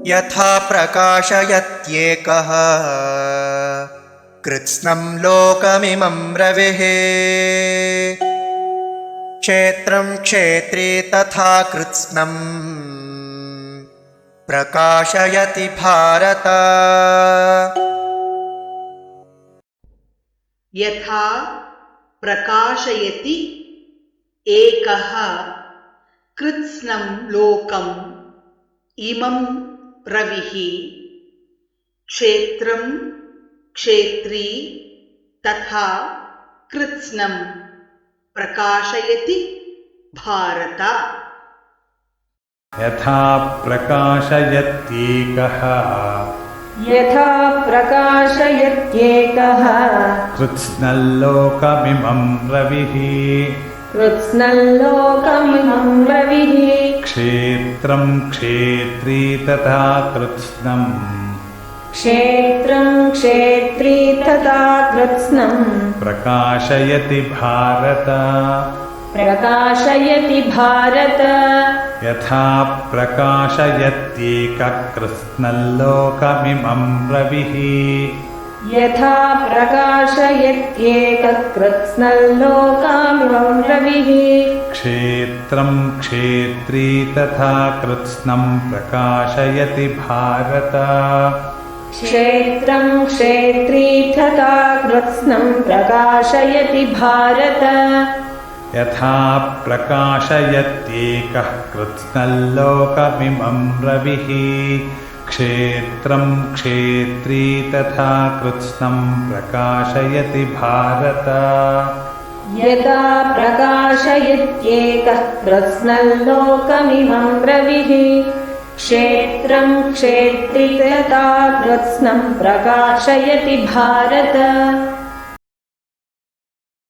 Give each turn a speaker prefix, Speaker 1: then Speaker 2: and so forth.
Speaker 1: यथा प्रकाशयत्येकः कृत्स्नं लोकमिमं रविः क्षेत्रं क्षेत्री तथा कृत्स्नं प्रकाशयति भारत।
Speaker 2: यथा प्रकाशयति एकः कृत्स्नं लोकम् इमं रविः क्षेत्रं क्षेत्री तथा कृत्स्नं प्रकाशयति भारत।
Speaker 3: यथा प्रकाशयत्येकः कृत्स्नं लोकमिमं रविः क्षेत्रं क्षेत्री तथा कृत्स्नं प्रकाशयति भारत। यथा प्रकाशयत्येकः कृत्स्नं लोकमिमं रविः क्षेत्रं क्षेत्री तथा कृत्स्नं प्रकाशयति भारत। यथा प्रकाशयत्येकः कृत्स्नं लोकमिमं रविः क्षेत्रं क्षेत्री तथा कृत्स्नं प्रकाशयति भारत।
Speaker 4: यथा प्रकाशयत्येकः कृत्स्नं लोकमिमं रविः क्षेत्रं क्षेत्री तथा कृत्स्नं प्रकाशयति भारत।